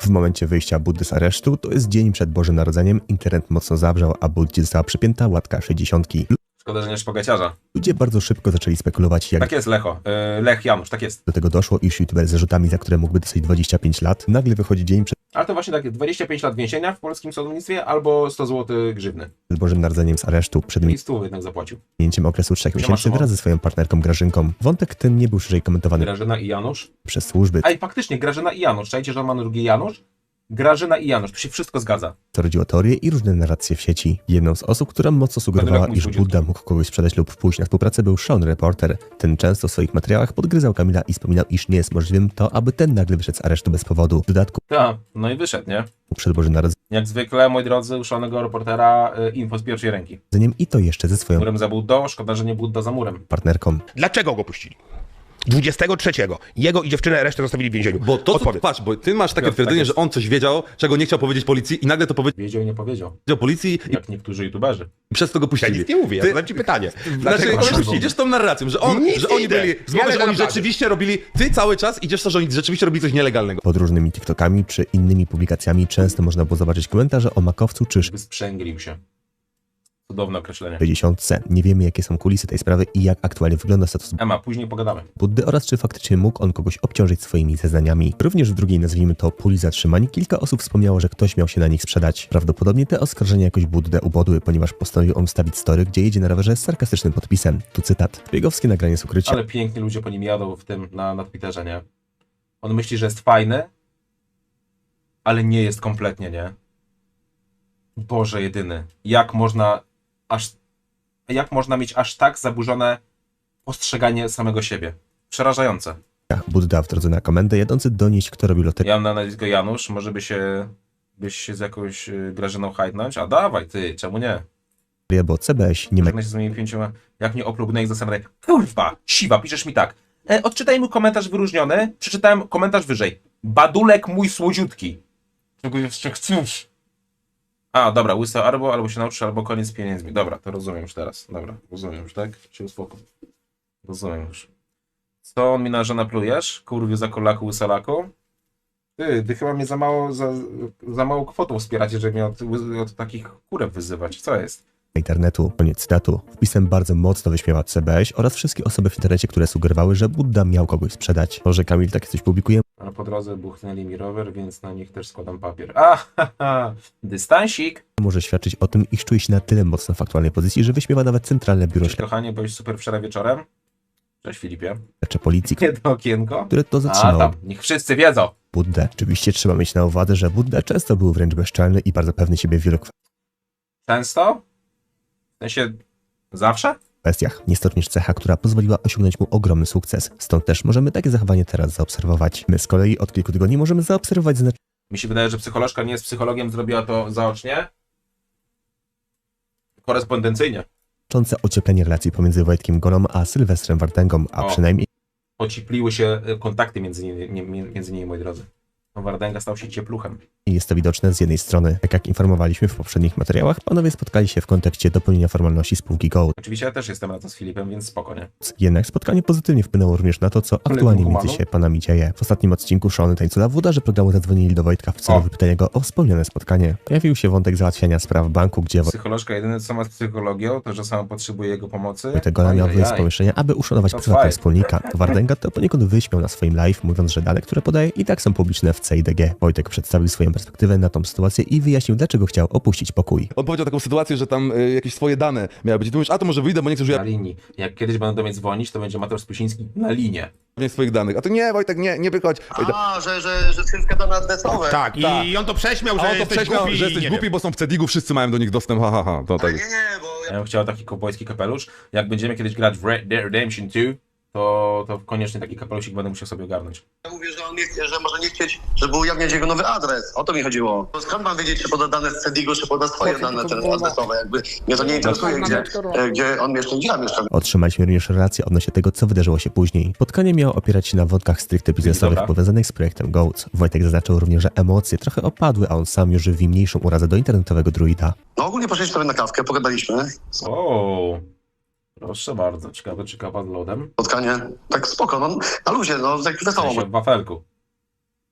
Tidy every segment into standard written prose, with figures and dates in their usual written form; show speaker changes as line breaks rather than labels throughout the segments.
W momencie wyjścia Buddy z aresztu, to jest dzień przed Bożym Narodzeniem, internet mocno zawrzał, a Buddzie została przypięta łatka 60.
Szkoda, że nie szpagaciarza.
Ludzie bardzo szybko zaczęli spekulować, jak
Tak jest, Lecho. Lech Janusz, tak jest.
do tego doszło, iż youtuber z zarzutami, za które mógłby dostać 25 lat, nagle wychodzi dzień przed
Ale to właśnie tak, 25 lat więzienia w polskim sądownictwie albo 100 zł grzywny.
Bożym Narodzeniem z aresztu, przed
I 100 jednak zapłacił.
minięciem okresu 3 miesięcy
Szymon.
wraz ze swoją partnerką Grażynką. Wątek ten nie był szerzej komentowany
Grażyna i Janusz.
przez służby,
Ej, faktycznie, Grażyna i Janusz. Czajcie, że on ma na drugie Janusz? Grażyna i Janusz. Tu się wszystko zgadza.
co rodziło teorie i różne narracje w sieci. Jedną z osób, która mocno sugerowała,
Będę jak
iż
mój
Budda mógł kogoś sprzedać lub pójść na współpracę, był Sean Reporter. Ten często w swoich materiałach podgryzał Kamila i wspominał, iż nie jest możliwym to, aby ten nagle wyszedł z aresztu bez powodu. W dodatku
Tak, no i wyszedł, nie?
przed Bożym
Jak zwykle, moi drodzy, uszonego reportera, info z pierwszej ręki.
Narodzeniem i to jeszcze ze swoją
Murem za Buddą, szkoda, że nie Budda za murem.
partnerką.
Dlaczego go puścili? 23. Jego i dziewczynę resztę zostawili w więzieniu.
Bo to, co,
Odpowiedz.
patrz, bo ty masz takie
Tak
twierdzenie,
jest.
że on coś wiedział, czego nie chciał powiedzieć policji i nagle to powiedział
Wiedział i nie powiedział.
policji
Jak niektórzy youtuberzy.
i przez to go
Ja
puścili.
nic nie mówię, ja
Ty-
zadam ci pytanie.
Znaczy,
Dlaczego go puścili?
idziesz tą narracją, że, on,
Nic
że
nie
oni
idę.
byli,
Ja
że
leżę
oni
na plaży.
rzeczywiście robili, ty cały czas idziesz to, że oni rzeczywiście robili coś nielegalnego.
Pod różnymi TikTokami czy innymi publikacjami często można było zobaczyć komentarze o makowcu czy
Wysprzęglił się. Cudowne określenie.
60. Nie wiemy, jakie są kulisy tej sprawy i jak aktualnie wygląda status
Ema, później pogadamy.
Buddy oraz czy faktycznie mógł on kogoś obciążyć swoimi zeznaniami. Również w drugiej, nazwijmy to, puli zatrzymań, kilka osób wspomniało, że ktoś miał się na nich sprzedać. Prawdopodobnie te oskarżenia jakoś Buddę ubodły, ponieważ postanowił on wstawić story, gdzie jedzie na rowerze z sarkastycznym podpisem. Tu cytat. Biegowskie nagranie z ukrycia.
Ale pięknie ludzie po nim jadą w tym, na Twitterze, nie? On myśli, że jest fajny, ale nie jest kompletnie, nie? Boże jedyny. Jak można mieć aż tak zaburzone postrzeganie samego siebie? Przerażające.
Budda w drodze na komendę jadący donieść, kto robił loterię,
Ja mam na nazwisko Janusz, może byś się z jakąś Grażyną hajtnąć? A dawaj ty, czemu nie?
bo CBŚ nie ma
Żegnaj się z moimi 5, jak nie oplugnę ich zastanawiam. Kurwa, siwa, piszesz mi tak. Odczytaj mój komentarz wyróżniony, przeczytałem komentarz wyżej. Badulek mój słodziutki. Czego jeszcze chcesz? A, dobra, łysa albo się nauczysz, albo koniec z pieniędzmi. Dobra, to rozumiem już teraz. Dobra, rozumiem już, tak? Się uspokój. Rozumiem już. Co mi na żonę plujesz? Kurwiu za kolaku, łysalaku? Ty chyba mnie za małą kwotą wspieracie, żeby mnie od takich kurek wyzywać. Co jest?
internetu. Koniec cytatu. Wpisem bardzo mocno wyśmiała CBŚ oraz wszystkie osoby w internecie, które sugerowały, że Budda miał kogoś sprzedać. To, że Kamil takie coś publikuje,
Ale po drodze buchnęli mi rower, więc na nich też składam papier. Aha, dystansik.
może świadczyć o tym, iż czuje się na tyle mocno w aktualnej pozycji, że wyśmiewa nawet Centralne Biuro
Cześć kochanie, byłeś super wczoraj wieczorem. Cześć Filipie.
Śledcze policji,
Jedno okienko.
które to
A
zatrzymało
tam, niech wszyscy wiedzą.
Buddę. Oczywiście trzeba mieć na uwadze, że Budda często był wręcz bezczelny i bardzo pewny siebie w wielu
Często? W sensie, zawsze?
kwestiach. Jest to również cecha, która pozwoliła osiągnąć mu ogromny sukces. Stąd też możemy takie zachowanie teraz zaobserwować. My z kolei od kilku tygodni możemy zaobserwować
Mi się wydaje, że psycholożka nie jest psychologiem, zrobiła to zaocznie. Korespondencyjnie.
znaczące ocieplenie relacji pomiędzy Wojtkiem Golą a Sylwestrem Wartęgą, a
O.
przynajmniej
Ocipliły się kontakty między nimi, moi drodzy. No, Wardęga stał się ciepluchem.
jest to widoczne z jednej strony. Tak jak informowaliśmy w poprzednich materiałach, panowie spotkali się w kontekście dopełnienia formalności spółki Gold.
Oczywiście ja też jestem razem z Filipem, więc spokojnie.
Jednak spotkanie pozytywnie wpłynęło również na to, co aktualnie między się panami dzieje. W ostatnim odcinku Sean Tańcula włodarze programu zadzwonili do Wojtka w celu
O.
wypytania go o wspomniane spotkanie. Pojawił się wątek załatwiania spraw banku, gdzie
Psycholożka jedyne co ma z psychologią, to że sama potrzebuje jego pomocy.
Wojtek Gola miał wyjść z pomieszczenia, aby uszanować
To
prywatnego
fajnie.
wspólnika. Wardęga to poniekąd wyśmiał na swoim live, mówiąc, że dane, które podaje, i tak są publiczne w CIDG. Wojtek przedstawił swoją perspektywę na tą sytuację i wyjaśnił, dlaczego chciał opuścić pokój.
On powiedział taką sytuację, że tam jakieś swoje dane miały być. I ty mówisz, a to może wyjdę, bo nie chcę
Na
używać
linii. Jak kiedyś będą do mnie dzwonić, to będzie Mateusz Spusiński na linię.
swoich danych. A to nie, Wojtek, nie wychodź. Wojtek,
A, że wszystkie dane adresowe.
Tak, i on to prześmiał,
a
że
on to
jesteś
prześmiał,
głupi.
że jesteś
nie
głupi,
wiem.
bo są w Cedigu, wszyscy mają do nich dostęp, to tak.
Nie, bo
Ja bym chciał taki kowbojski kapelusz. Jak będziemy kiedyś grać w Red Dead Redemption 2, to koniecznie taki kapelusik będę musiał sobie ogarnąć.
ja mówię, że on nie chce, że może nie chcieć, żeby ujawniać jego nowy adres. O to mi chodziło. Bo skąd mam wiedzieć, czy poda dane z Cedigo, czy poda swoje dane adresowe? Jakby mnie to nie interesuje, gdzie on mieszka, gdzie ja mieszkam.
Otrzymaliśmy również relację odnośnie tego, co wydarzyło się później. Spotkanie miało opierać się na wątkach stricte biznesowych
Dobra.
powiązanych z projektem Goats. Wojtek zaznaczył również, że emocje trochę opadły, a on sam już żywi mniejszą urazę do internetowego druida.
No ogólnie poszliśmy sobie na kawkę, pogadaliśmy.
O, proszę bardzo. Ciekawe, czy kawa z lodem?
Spotkanie, tak spoko, no na luzie, no tak
W
wesoło.
sensie w wafelku.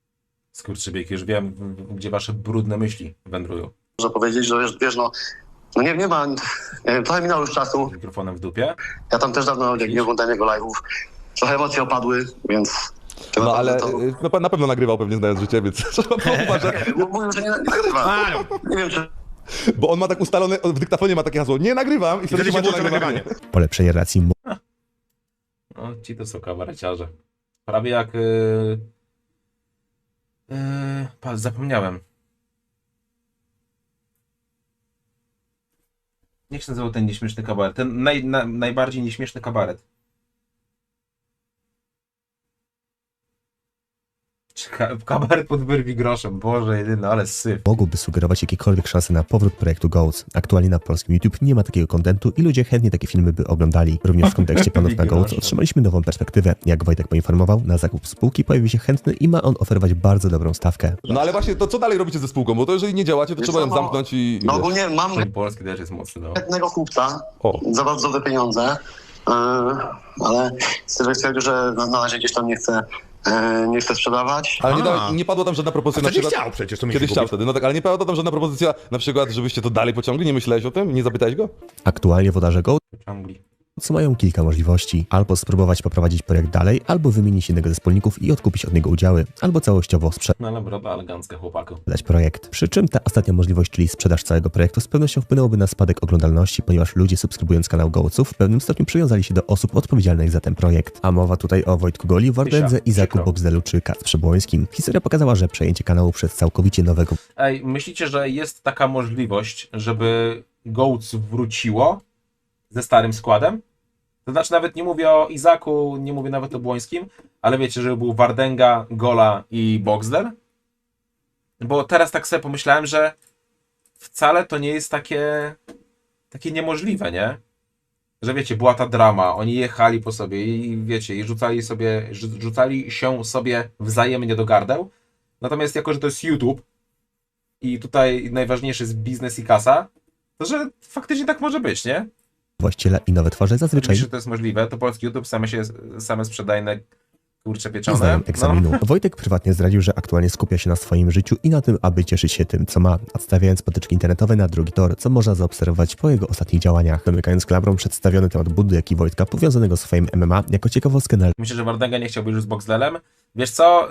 Skurczybyk, już wiem, gdzie wasze brudne myśli wędrują.
Można powiedzieć, że wiesz, no nie ma, trochę minęło już czasu.
Z mikrofonem w dupie.
Ja tam też dawno nie oglądałem jego live'ów. Trochę emocje opadły, więc...
No ale
To...
na pewno nagrywał pewnie znając życie, więc trzeba uważać.
Mówił, że nie nagrywa. Nie wiem, czy...
Bo on ma tak ustalone, w dyktafonie ma takie hasło, nie nagrywam i wtedy się włącza nagrywanie.
Polepszenie relacji
No, ci to są kabareciarze. Prawie jak... zapomniałem. Jak się nazywał ten nieśmieszny kabaret? Ten najbardziej nieśmieszny kabaret. Kabaret pod wyrwi groszem. Boże jedyny, ale syf.
mogłyby sugerować jakiekolwiek szanse na powrót projektu Goats. Aktualnie na polskim YouTube nie ma takiego kontentu i ludzie chętnie takie filmy by oglądali. Również w kontekście planów na Goats otrzymaliśmy nową perspektywę. Jak Wojtek poinformował, na zakup spółki pojawił się chętny i ma on oferować bardzo dobrą stawkę.
No ale właśnie, to co dalej robicie ze spółką? Bo to jeżeli nie działacie, to trzeba ją zamknąć i...
No ogólnie mam
Ten polski też jest mocny, no.
jednego kupca
O.
za bardzo dobre pieniądze, ale Sylwek stwierdził, że na razie gdzieś tam nie chce sprzedawać.
Ale nie padła tam żadna propozycja
A wtedy
na przykład...
chciał przecież, to mi się
Kiedyś chciał
kupić.
wtedy, no tak, ale nie padła tam żadna propozycja na przykład, żebyście to dalej pociągli? Nie myślałeś o tym? Nie zapytałeś go?
Aktualnie włodarze Goats
Ciągli.
mają kilka możliwości. Albo spróbować poprowadzić projekt dalej, albo wymienić jednego ze wspólników i odkupić od niego udziały, albo całościowo
No ale broda elegancka, chłopaku.
sprzedać projekt. Przy czym ta ostatnia możliwość, czyli sprzedaż całego projektu, z pewnością wpłynęłoby na spadek oglądalności, ponieważ ludzie subskrybując kanał Goatsów w pewnym stopniu przywiązali się do osób odpowiedzialnych za ten projekt. A mowa tutaj o Wojtku Goli, Wardędze, Izaku
przykro.
Boxdelu czy Kacprze Przebłońskim. Historia pokazała, że przejęcie kanału przez całkowicie nowego
Ej, myślicie, że jest taka możliwość, żeby Goats wróciło ze starym składem? To znaczy nawet nie mówię o Izaku, nie mówię nawet o Błońskim, ale wiecie, że był Wardęga, Gola i Boxdel? Bo teraz tak sobie pomyślałem, że wcale to nie jest takie niemożliwe, nie? Że wiecie, była ta drama, oni jechali po sobie i wiecie, i rzucali się sobie wzajemnie do gardeł. Natomiast jako, że to jest YouTube i tutaj najważniejszy jest biznes i kasa, to że faktycznie tak może być, nie?
właściciela i nowe twarze zazwyczaj
Myślę, że to jest możliwe, to polski YouTube same sprzedajne kurcze
nie
pieczone.
zdają
No.
egzaminu. Wojtek prywatnie zdradził, że aktualnie skupia się na swoim życiu i na tym, aby cieszyć się tym, co ma, odstawiając potyczki internetowe na drugi tor, co można zaobserwować po jego ostatnich działaniach. Domykając klamrą przedstawiony temat Buddy, jak i Wojtka, powiązanego z swoim MMA, jako ciekawostkę na
Myślę, że Wardęga nie chciałby już z Boxdelem. Wiesz co,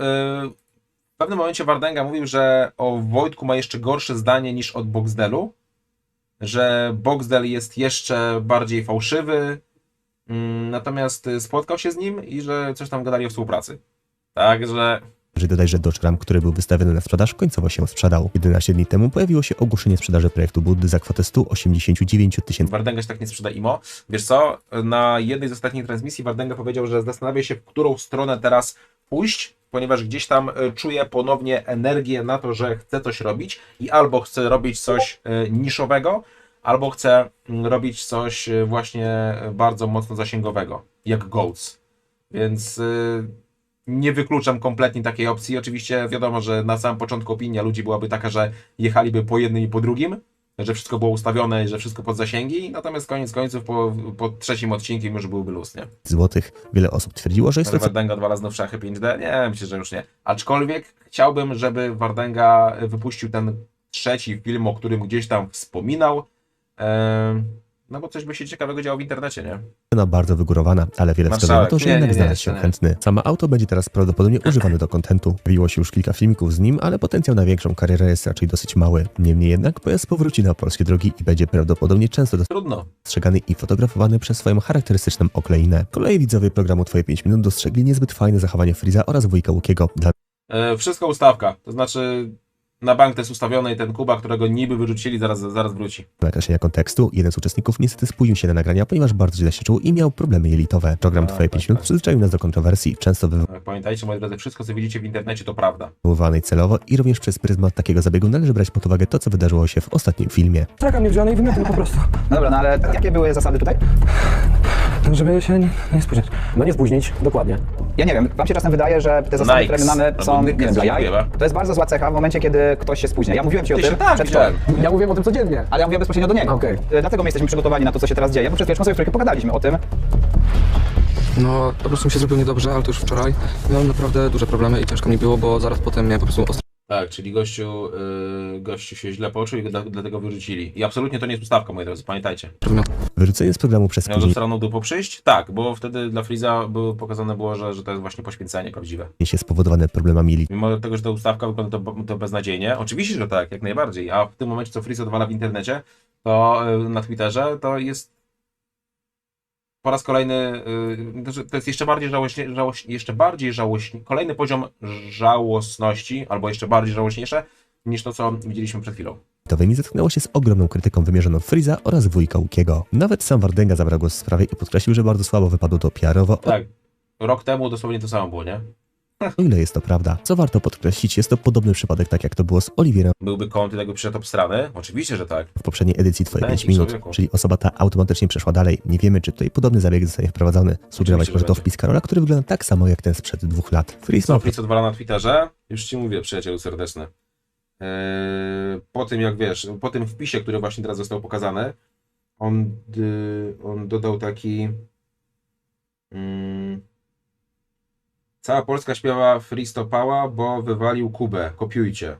w pewnym momencie Wardęga mówił, że o Wojtku ma jeszcze gorsze zdanie niż od Boxdelu, że Boxdel jest jeszcze bardziej fałszywy, natomiast spotkał się z nim i że coś tam gadali o współpracy. Także...
dodaj, że Dodge Ram, który był wystawiony na sprzedaż, końcowo się sprzedał. 11 dni temu pojawiło się ogłoszenie sprzedaży projektu Buddy za kwotę 189 000
Wardęga się tak nie sprzeda IMO. Wiesz co, na jednej z ostatnich transmisji Wardęga powiedział, że zastanawia się, w którą stronę teraz pójść, ponieważ gdzieś tam czuje ponownie energię na to, że chce coś robić i albo chce robić coś niszowego, albo chce robić coś właśnie bardzo mocno zasięgowego, jak Goats. Więc nie wykluczam kompletnie takiej opcji. Oczywiście wiadomo, że na samym początku opinia ludzi byłaby taka, że jechaliby po jednym i po drugim, że wszystko było ustawione, że wszystko pod zasięgi, natomiast koniec końców po trzecim odcinku już byłby luz, nie?
złotych. Wiele osób twierdziło, że jest to
Wardęga odwala znów szachy 5D? Nie, myślę, że już nie. Aczkolwiek chciałbym, żeby Wardęga wypuścił ten trzeci film, o którym gdzieś tam wspominał, no bo coś by się ciekawego działo w internecie, nie?
cena bardzo wygórowana, ale wiele wskazuje na to, że
Nie,
jednak
nie,
znalazł się
nie.
chętny. Samo auto będzie teraz prawdopodobnie używane do kontentu. Pojawiło się już kilka filmików z nim, ale potencjał na większą karierę jest raczej dosyć mały. Niemniej jednak pojazd powróci na polskie drogi i będzie prawdopodobnie często
Trudno.
dostrzegany i fotografowany przez swoją charakterystyczną okleinę. Kolei widzowie programu Twoje 5 minut dostrzegli niezbyt fajne zachowanie Freeza oraz wujka Łukiego. Dla
Wszystko ustawka, to znaczy na bank to jest ustawione i ten Kuba, którego niby wyrzucili, zaraz wróci.
nakreślenia kontekstu, jeden z uczestników niestety spóźnił się na nagrania, ponieważ bardzo źle się czuł i miał problemy jelitowe. Program Twoje 5 minut przyzwyczaił nas do kontrowersji, często
Pamiętajcie, moi drodzy, wszystko co widzicie w internecie to prawda.
wywoływanej celowo i również przez pryzmat takiego zabiegu należy brać pod uwagę to, co wydarzyło się w ostatnim filmie.
Traka mnie wziąłem i wymioty po prostu.
Dobra, no ale jakie były zasady tutaj?
Żeby się nie spóźniać. No nie spóźnić, dokładnie.
Ja nie wiem, wam się czasem wydaje, że te zasady, które my mamy, są, nie wiem, dla jaj. To jest bardzo zła cecha w momencie, kiedy ktoś się spóźnia. Ja mówiłem ci o tym przedwczoraj.
Ja mówiłem o tym codziennie.
Ale ja mówiłem bezpośrednio do niego.
Okej.
Dlatego my jesteśmy przygotowani na to, co się teraz dzieje, bo przed chwileczką sobie w trójkę pogadaliśmy o tym.
No, po prostu mi się zrobiło niedobrze, ale to już wczoraj. Miałem naprawdę duże problemy i ciężko mi było, bo zaraz potem miałem po prostu ostro.
Tak, czyli gościu się źle poczuł i go dlatego wyrzucili. I absolutnie to nie jest ustawka, moi drodzy, pamiętajcie.
Wyrzucenie z programu przez
Miał
spóźnienie
straną dupą przyjść? Tak, bo wtedy dla Freeza pokazane było, że to jest właśnie poświęcenie prawdziwe.
się spowodowane problemami
Mimo tego, że ta ustawka wygląda to beznadziejnie, oczywiście, że tak, jak najbardziej, a w tym momencie, co Freeze odwala w internecie, to na Twitterze, to jest po raz kolejny, to jest jeszcze bardziej żałośnie, kolejny poziom żałosności, albo jeszcze bardziej żałośniejsze, niż to, co widzieliśmy przed chwilą.
internetowymi zetknęło się z ogromną krytyką wymierzoną w Freeza oraz wujka Łukiego. Nawet sam Wardęga zabrał głos w sprawie i podkreślił, że bardzo słabo wypadło to PR-owo,
Tak, rok temu dosłownie to samo było, nie?
o ile jest to prawda. Co warto podkreślić, jest to podobny przypadek, tak jak to było z Oliwierem
Byłby content, jakby przyszedł obstrany? Oczywiście, że tak.
w poprzedniej edycji Twoje
Daj
5
mi,
minut,
człowieku.
czyli osoba ta automatycznie przeszła dalej. Nie wiemy, czy tutaj podobny zabieg zostanie wprowadzony. Sugerować
Oczywiście,
może
że
to
będzie.
wpis Karola, który wygląda tak samo jak ten sprzed 2 lat. Freeze
Co
ma
Freeze odwala na Twitterze? Już ci mówię, przyjacielu serdeczny. Po tym, jak wiesz, po tym wpisie, który właśnie teraz został pokazany, on dodał taki... Cała Polska śpiewa Freeze to pała, bo wywalił Kubę. Kopiujcie.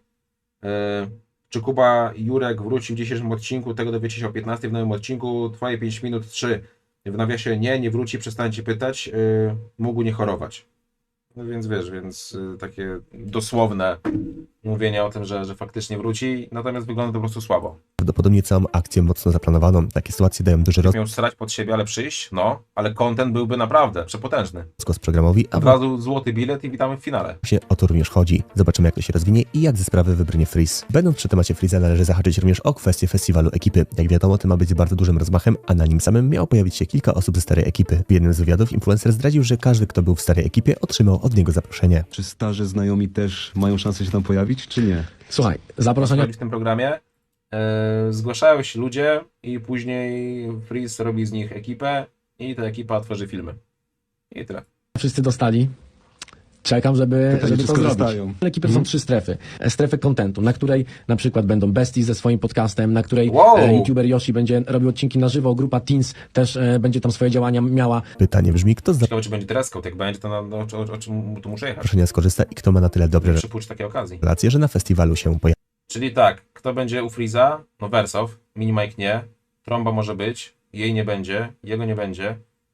Czy Kuba Jurek wróci w dzisiejszym odcinku? Tego dowiecie się o 15 w nowym odcinku. Twoje 5 minut 3. W nawiasie nie wróci, przestańcie pytać. Mógł nie chorować. No więc wiesz, takie dosłowne mówienie o tym, że faktycznie wróci, natomiast wygląda to po prostu słabo.
prawdopodobnie całą akcję mocno zaplanowaną. Takie sytuacje dają duży
Miał strać pod siebie, ale przyjść, no, ale content byłby naprawdę przepotężny.
rozgłos programowi, a
Od razu złoty bilet i witamy w finale.
właśnie o to również chodzi. Zobaczymy, jak to się rozwinie i jak ze sprawy wybrnie Freeze. Będąc przy temacie Freeza, należy zahaczyć również o kwestię festiwalu ekipy. Jak wiadomo, to ma być z bardzo dużym rozmachem, a na nim samym miało pojawić się kilka osób ze starej ekipy. W jednym z wywiadów influencer zdradził, że każdy, kto był w starej ekipie, otrzymał od niego zaproszenie.
Czy starzy znajomi też mają szansę się tam pojawić, czy nie?
Słuchaj, zaproszenia
W tym programie zgłaszają się ludzie i później Freeze robi z nich ekipę i ta ekipa tworzy filmy. I tyle.
wszyscy dostali. Czekam, żeby
Pytanie,
to
czy
zrobić.
skorzystają.
Ekipy są 3 strefy. Strefę contentu, na której na przykład będą Besties ze swoim podcastem, na której
Wow.
YouTuber Yoshi będzie robił odcinki na żywo, grupa Teens też będzie tam swoje działania miała.
Pytanie brzmi, kto z
Ciekawe, czy będzie dress-code, jak będzie, to o czym tu muszę jechać.
zaproszenia skorzysta i kto ma na tyle dobre
Przypuść takiej okazji.
relacje, że na festiwalu się pojawi.
Czyli tak, kto będzie u Freeza? No Wersow, Minimike nie, Tromba może być, jej nie będzie, jego nie będzie.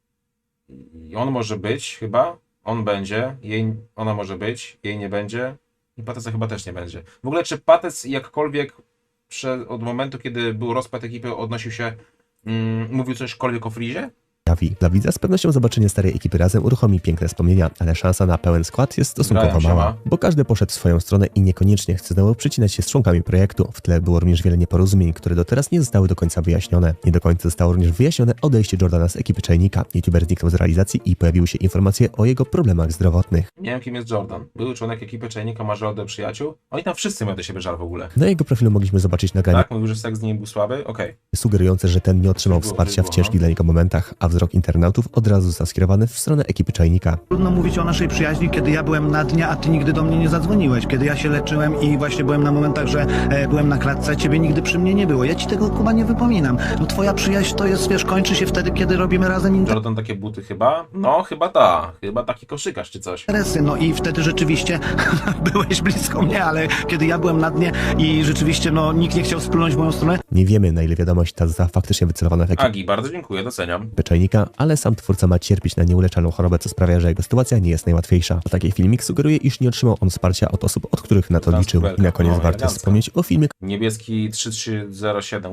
I on może być chyba, on będzie, ona może być, jej nie będzie i Pateca chyba też nie będzie. W ogóle czy Patec jakkolwiek od momentu, kiedy był rozpad ekipy, odnosił się, mówił cośkolwiek o Freezie?
Dla widza z pewnością zobaczenie starej ekipy razem uruchomi piękne wspomnienia, ale szansa na pełen skład jest stosunkowo
Grają się,
mała,
ma.
bo każdy poszedł w swoją stronę i niekoniecznie chce znowu przycinać się z członkami projektu. W tle było również wiele nieporozumień, które do teraz nie zostały do końca wyjaśnione. Nie do końca zostało również wyjaśnione odejście Jordana z ekipy Czajnika. YouTuber zniknął z realizacji i pojawiły się informacje o jego problemach zdrowotnych.
Nie wiem, kim jest Jordan. Były członek ekipy Czajnika, ma żal do przyjaciół. Oni tam wszyscy mają do siebie żal w ogóle.
Na jego profilu mogliśmy zobaczyć nagranie
Tak? Mówił, że seks z nim był słaby? Okej.
sugerujące, że ten nie otrzymał
Było,
wsparcia w
było,
ciężkich
no.
dla niego momentach, a wzrok internautów od razu został skierowany w stronę ekipy Czajnika.
Trudno mówić o naszej przyjaźni, kiedy ja byłem na dnie, a ty nigdy do mnie nie zadzwoniłeś. Kiedy ja się leczyłem i właśnie byłem na momentach, że byłem na klatce, ciebie nigdy przy mnie nie było. Ja ci tego, Kuba, nie wypominam. No twoja przyjaźń to jest, wiesz, kończy się wtedy, kiedy robimy razem
Jordan takie buty chyba? No, chyba taki koszykarz czy coś.
interesy. No i wtedy rzeczywiście byłeś blisko mnie, ale kiedy ja byłem na dnie i rzeczywiście, no, nikt nie chciał splunąć w moją stronę.
Nie wiemy, na ile wiadomość ta została faktycznie wycelowana w ekipę
Agi, bardzo dziękuję, doceniam.
Czajnika, ale sam twórca ma cierpieć na nieuleczalną chorobę, co sprawia, że jego sytuacja nie jest najłatwiejsza. A taki filmik sugeruje, iż nie otrzymał on wsparcia od osób, od których na to liczył. I na koniec warto
elegancko.
wspomnieć o filmie,
Niebieski 3307,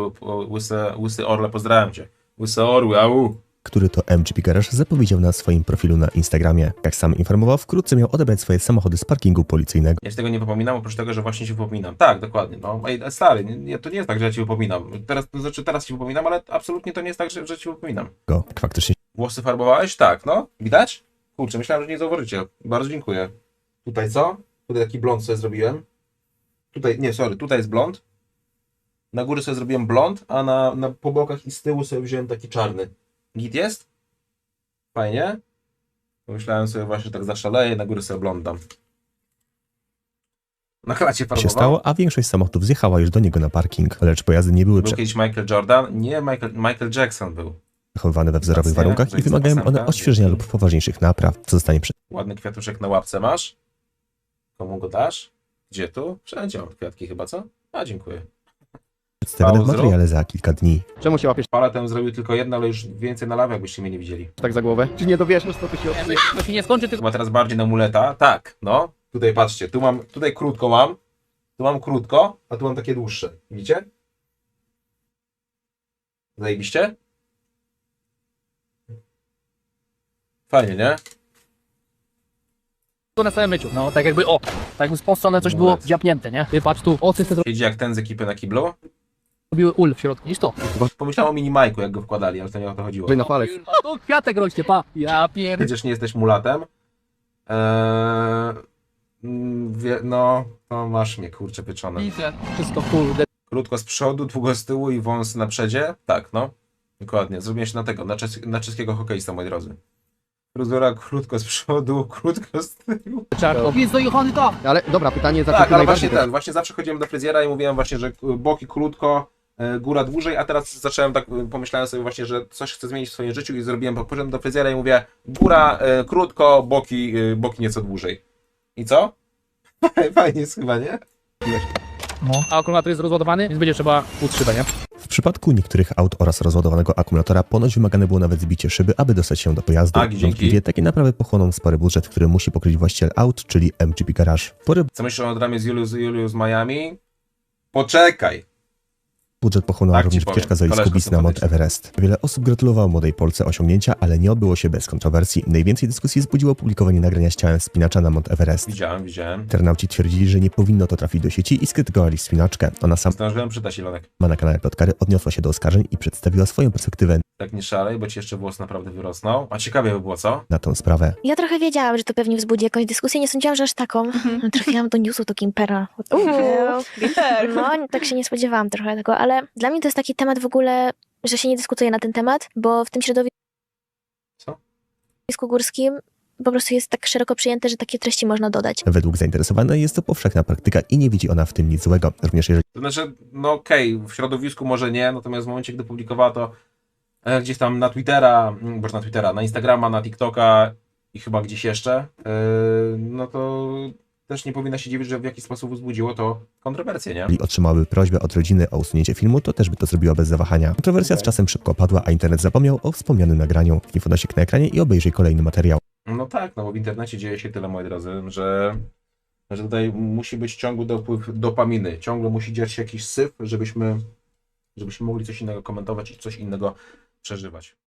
łysy orle, pozdrawiam cię. Łysy orły, au.
który to MGP Garage zapowiedział na swoim profilu na Instagramie. Jak sam informował, wkrótce miał odebrać swoje samochody z parkingu policyjnego.
Ja ci tego nie wypominam, oprócz tego, że właśnie ci wypominam. Tak, dokładnie. No, ej, stary, to nie jest tak, że ja ci wypominam. Teraz ci wypominam, ale absolutnie to nie jest tak, że ci wypominam.
Jak faktycznie
Włosy farbowałeś? Tak, no. Widać? Kurczę, myślałem, że nie zauważycie. Bardzo dziękuję. Tutaj co? Tutaj taki blond sobie zrobiłem. Tutaj jest blond. Na górze sobie zrobiłem blond, a po bokach i z tyłu sobie wziąłem taki czarny. Git jest? Fajnie. Myślałem sobie właśnie, że tak zaszaleję, na górę sobie blond dam. Na klacie
się
farbował.
stało, a większość samochodów zjechała już do niego na parking, lecz pojazdy nie były
Był kiedyś Michael Jordan? Nie, Michael Jackson był.
Zachowywane we wzorowych
Zacnie,
warunkach i
zajebista
wymagają one
piosenka.
odświeżenia lub poważniejszych napraw, co zostanie
Ładny kwiatuszek na łapce masz? Komu go dasz? Gdzie tu? Wszędzie mam kwiatki chyba, co? A, dziękuję.
przedstawione w
Pauzę.
materiale za kilka dni.
Czemu się łapiesz
Paletę zrobił tylko jedno, ale już więcej na lawę, jakbyście mnie nie widzieli.
tak za głowę? Czy nie dowiesz, to tu się odsyje?
To się nie skończy, tylko
Chyba teraz bardziej na muleta. Tak, no. Tutaj patrzcie, tutaj krótko mam. Tu mam krótko, a tu mam takie dłuższe. Widzicie? Zajebiście? Fajnie, nie?
na całym myciu. No, tak jakby, tak jakby z tą stronę coś było wdziapnięte, nie? Ty patrz tu, ocy te
Siedzi jak ten z ekipy na kiblu.
zrobiły ul w środku, niż to.
Pomyślałem o minimajku, jak go wkładali, ale to nie o to chodziło.
Wyj na palec.
A tu kwiatek rośnie, pa. Ja pierd...
Przecież nie jesteś mulatem. No, to masz mnie, kurczę, pieczone.
Widzę, wszystko kurde.
Krótko z przodu, długo z tyłu i wąs na przedzie. Tak, no. Dokładnie. Zrobiłem się na tego, na czeskiego hokeista, moi drodzy. Fryzura krótko z przodu, krótko z tyłu.
Czarko. Jest dojechany to.
Ale dobra, pytanie za
Tak, ale właśnie zawsze chodziłem do fryzjera i mówiłem właśnie, że boki krótko, góra dłużej, a teraz zacząłem tak, pomyślałem sobie właśnie, że coś chcę zmienić w swoim życiu i zrobiłem, poszedłem do fryzjera i mówię, góra krótko, boki nieco dłużej. I co? Fajnie jest chyba, nie?
No. A akumulator jest rozładowany, więc będzie trzeba utrzymać, nie?
W przypadku niektórych aut oraz rozładowanego akumulatora ponoć wymagane było nawet zbicie szyby, aby dostać się do pojazdu.
Tak, dzięki.
Wątpliwie takie naprawy pochłoną spory budżet, który musi pokryć właściciel aut, czyli MGP Garage. Spory
Co myślisz o dramie z Julius Miami? Poczekaj!
budżet pochłonęła
Tak ci
również
powiem.
wycieczka z
Koleżka
Olisku na Mount
sympatyczna.
Everest. Wiele osób gratulowało młodej Polce osiągnięcia, ale nie obyło się bez kontrowersji. Najwięcej dyskusji wzbudziło opublikowanie nagrania z ciałem wspinacza na Mount Everest.
Widziałem.
Internauci twierdzili, że nie powinno to trafić do sieci i skrytykowali wspinaczkę. Ona sama
Zdążyłem przytać, Ilonek.
na kanale Plotkary odniosła się do oskarżeń i przedstawiła swoją perspektywę
Tak nie szalej, bo ci jeszcze włos naprawdę wyrosnął. A ciekawie by było, co?
na tę sprawę.
Ja trochę wiedziałam, że to pewnie wzbudzi jakąś dyskusję, nie sądziłam, że aż taką. Trafiłam do newsu to Kimpera. No, tak się nie spodziewałam trochę tego, ale dla mnie to jest taki temat w ogóle, że się nie dyskutuje na ten temat, bo w tym środowisku górskim po prostu jest tak szeroko przyjęte, że takie treści można dodać.
Według zainteresowanej jest to powszechna praktyka i nie widzi ona w tym nic złego. Również jeżeli
To znaczy, no okej, w środowisku może nie, natomiast w momencie, gdy publikowała to gdzieś tam na Twittera, na Instagrama, na TikToka i chyba gdzieś jeszcze, no to też nie powinna się dziwić, że w jakiś sposób wzbudziło to kontrowersję, nie?
otrzymałaby prośbę od rodziny o usunięcie filmu, to też by to zrobiła bez zawahania. Kontrowersja z czasem szybko opadła, a internet zapomniał o wspomnianym nagraniu. Nie podnosi na ekranie i obejrzyj kolejny materiał.
No tak, no bo w internecie dzieje się tyle, moi drodzy, że tutaj musi być ciągły dopływ dopaminy. Ciągle musi dziać się jakiś syf, żebyśmy mogli coś innego komentować i coś innego przeżywać.